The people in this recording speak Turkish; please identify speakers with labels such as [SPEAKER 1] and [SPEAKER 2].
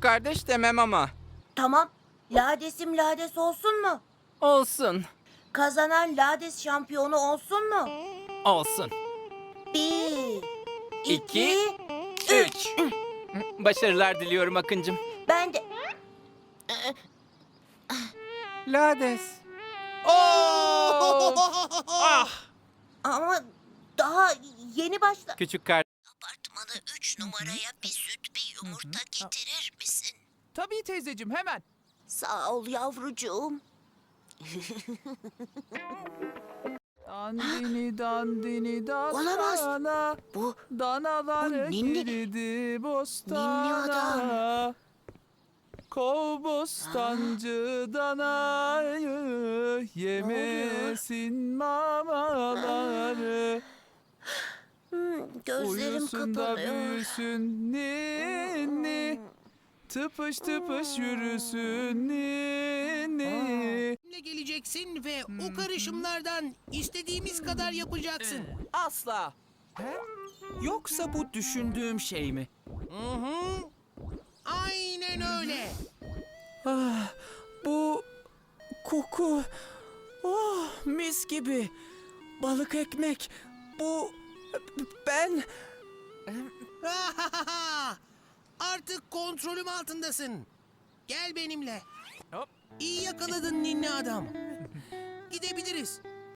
[SPEAKER 1] küçük kardeş demem ama.
[SPEAKER 2] Tamam. Ladesim lades olsun mu?
[SPEAKER 1] Olsun.
[SPEAKER 2] Kazanan lades şampiyonu olsun mu?
[SPEAKER 1] Olsun.
[SPEAKER 2] 1, 2,
[SPEAKER 1] İki,
[SPEAKER 2] 3.
[SPEAKER 1] Başarılar diliyorum Akıncım.
[SPEAKER 2] Ben de...
[SPEAKER 1] Lades. Ah!
[SPEAKER 2] Ama daha yeni başla...
[SPEAKER 1] Küçük kardeş.
[SPEAKER 2] Apartmana 3 numaraya bir süt bir yumurta getirir misin?
[SPEAKER 3] Tabii teyzeciğim, hemen.
[SPEAKER 2] Sağ ol yavrucuğum.
[SPEAKER 3] Dandini dandini
[SPEAKER 2] Olamaz.
[SPEAKER 3] dastana.
[SPEAKER 2] Bu
[SPEAKER 3] Danalar
[SPEAKER 2] Bu ninni-
[SPEAKER 3] girdi bostana.
[SPEAKER 2] ninni adam.
[SPEAKER 3] Kov bostancı danayı, yemesin mamaları.
[SPEAKER 2] gözlerim
[SPEAKER 3] Uyusun da
[SPEAKER 2] kapanıyor.
[SPEAKER 3] büyüsün ninni. Tıpış tıpış yürüsün ninni.
[SPEAKER 4] Ne geleceksin ve o karışımlardan istediğimiz kadar yapacaksın.
[SPEAKER 5] Asla. Yoksa bu düşündüğüm şey mi?
[SPEAKER 4] Hı hı. Aynen öyle.
[SPEAKER 5] Ah, bu koku. Oh, mis gibi. Balık ekmek. Bu ben
[SPEAKER 4] Artık kontrolüm altındasın. Gel benimle.
[SPEAKER 3] Hop.
[SPEAKER 4] İyi yakaladın ninni adam. Gidebiliriz.